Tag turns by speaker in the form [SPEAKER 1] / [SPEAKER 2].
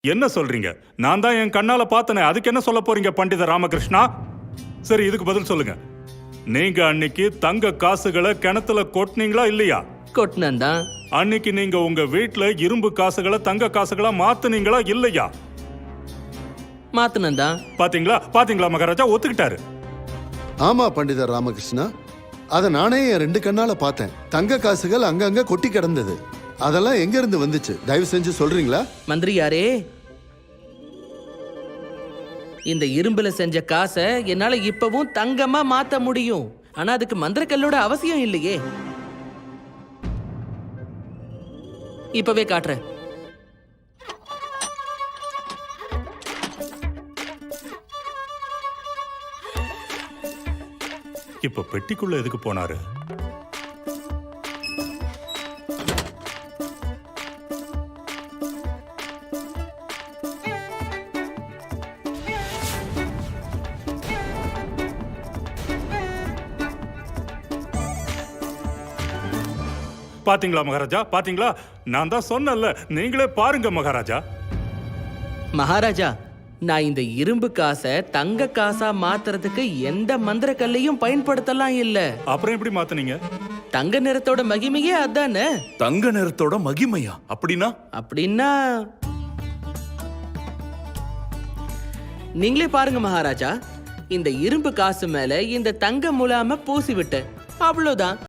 [SPEAKER 1] என்ன சொல்றீங்க? நான் தான் என் கண்ணால பார்த்தனே. அதுக்கு என்ன சொல்ல போறீங்க பண்டித ராமகிருஷ்ணா? சரி, இதுக்கு பதில் சொல்லுங்க. நீங்க அன்னைக்கு தங்க காசுகளை கிணத்துல கொட்டினீங்களா இல்லையா?
[SPEAKER 2] கொட்டினந்தான்.
[SPEAKER 1] அன்னைக்கு நீங்க உங்க வீட்ல இரும்பு காசுகளை தங்க காசுகளா மாத்துனீங்களா இல்லையா?
[SPEAKER 2] மாத்தினந்தான்.
[SPEAKER 1] பாத்தீங்களா பாத்தீங்களா மகாராஜா ஒத்துக்கிட்டாரு.
[SPEAKER 3] ஆமா பண்டித ராமகிருஷ்ணா, அதை நானே என் 2 கண்ணால பார்த்தேன். தங்க காசுகள் அங்கங்க கொட்டி கிடந்தது. அதெல்லாம் எங்க இருந்து வந்துச்சு? தயவு செஞ்சு சொல்றீங்களா?
[SPEAKER 2] மந்திரியாரே, இந்த இரும்புல செஞ்ச காசை என்னால இப்பவும் தங்கமா மாத்த முடியும். ஆனா அதுக்கு மந்திரக்கல்லோட அவசியம் இல்லையே. இப்பவே காட்டுறேன்.
[SPEAKER 1] இப்ப பெட்டிக்குள்ள எதுக்கு போனாரு? பாத்தீங்களா மகாராஜா, பாத்தீங்களா? நான் தான் சொன்னேன்ல, நீங்களே பாருங்க மகாராஜா.
[SPEAKER 2] மகாராஜா, நான் இந்த இரும்பு காசை தங்க காசா மாத்துறதுக்கு எந்த மந்திர கல்லையும் பயன்படுத்தலாம் இல்ல.
[SPEAKER 1] அப்புறம் எப்படி மாத்துனீங்க?
[SPEAKER 2] தங்க நிறத்தோட மகிமையே அதானே.
[SPEAKER 4] தங்க நிறத்தோட மகிமையா?
[SPEAKER 2] அப்படின்னா நீங்களே பாருங்க மகாராஜா. இந்த இரும்பு காசு மேல இந்த தங்க முலாம பூசி விட்டேன், அவ்வளவுதான்.